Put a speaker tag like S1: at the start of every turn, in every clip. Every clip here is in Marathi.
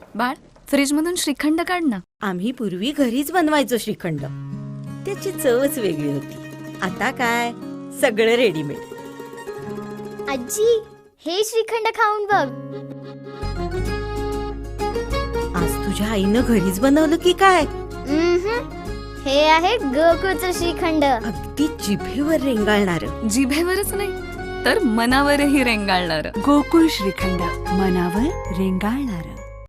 S1: बाळ, फ्रीजमधून श्रीखंड काढ ना.
S2: आम्ही पूर्वी घरीच बनवायचो श्रीखंड. त्याची चवच वेगळी होती. आता काय सगळं रेडीमेड.
S3: आजी, हे श्रीखंड खाऊन बघ.
S2: आज तुझ्या आईनं घरीच बनवलं की काय?
S3: हे आहे गोकुळचं श्रीखंड.
S2: अगदी जिभेवर रेंगाळणार.
S1: जिभेवरच नाही तर मनावरही रेंगाळणार.
S4: गोकुळ श्रीखंड, मनावर रेंगाळणार.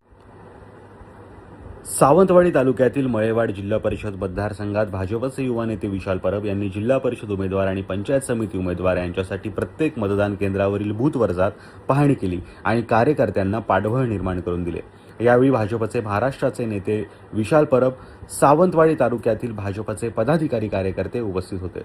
S5: सावंतवाडी तालुक्यातील मळेवाड जिल्हा परिषद मतदारसंघात भाजपचे युवा नेते विशाल परब यांनी जिल्हा परिषद उमेदवार आणि पंचायत समिती उमेदवार यांच्यासाठी प्रत्येक मतदान केंद्रावरील बूथवर जात पाहणी केली आणि कार्यकर्त्यांना पाठबळ निर्माण करून दिले. यावेळी भाजपचे महाराष्ट्राचे नेते विशाल परब, सावंतवाडी तालुक्यातील भाजपचे पदाधिकारी कार्यकर्ते उपस्थित होते.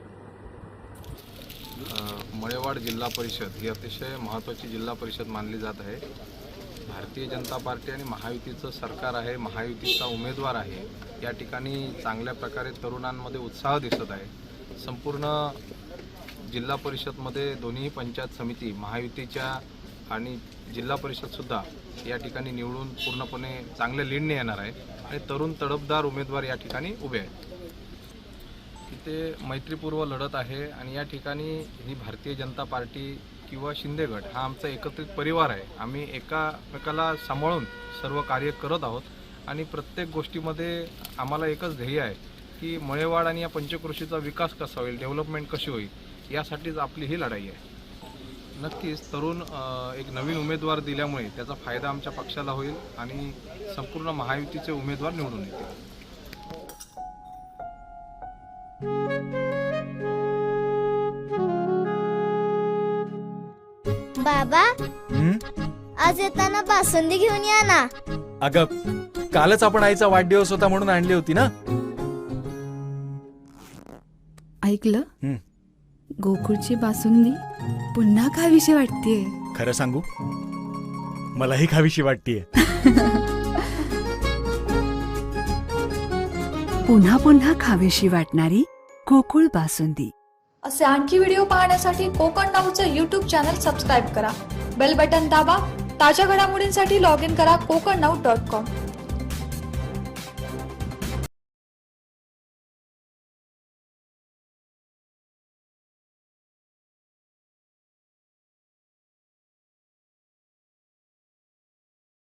S6: मळेवाड जिल्हा परिषद ही अतिशय महत्त्वाची जिल्हा परिषद मानली जात आहे. भारतीय जनता पार्टी आणि महायुतीचं सरकार आहे, महायुतीचा उमेदवार आहे. या ठिकाणी चांगल्या प्रकारे तरुणांमध्ये उत्साह दिसत आहे. संपूर्ण जिल्हा परिषदमध्ये दोन्ही पंचायत समिती महायुतीच्या आणि जिल्हा परिषदसुद्धा या ठिकाणी निवडून पूर्णपणे चांगल्या लीडने येणार आहे आणि तरुण तडफदार उमेदवार या ठिकाणी उभे आहेत. इथे मैत्रीपूर्व लढत आहे आणि या ठिकाणी ही भारतीय जनता पार्टी किंवा शिंदे गट हा आमचा एकत्रित परिवार आहे. आम्ही एकामेकाला सांभाळून सर्व कार्य करत आहोत आणि प्रत्येक गोष्टीमध्ये आम्हाला एकच ध्येय आहे की मळेवाड आणि या पंचक्रोशीचा विकास कसा होईल, डेव्हलपमेंट कशी होईल, यासाठीच आपली ही लढाई आहे. नक्कीच तरुण एक नवीन उमेदवार दिल्यामुळे त्याचा फायदा आमच्या पक्षाला होईल आणि संपूर्ण महायुतीचे उमेदवार निवडून येतील.
S3: बाबा, आज येताना बासुंदी घेऊन या ना.
S7: अगं, कालच आपण आईचा वाढदिवस होता म्हणून आणली होती ना.
S4: ऐकलं? गोकुळची बासुंदी पुन्हा खावीशी वाटतेय.
S7: खरं सांगू, मलाही खावीशी वाटतेय.
S4: पुन्हा पुन्हा खावीशी वाटणारी गोकुळ बासुंदी.
S8: असे आणखी व्हिडिओ पाहण्यासाठी कोकण नाऊचं यूट्यूब चॅनल सबस्क्राईब करा. बेल बटन दाबा. ताज्या घडामोडींसाठी लॉग इन करा kokarnaut.com.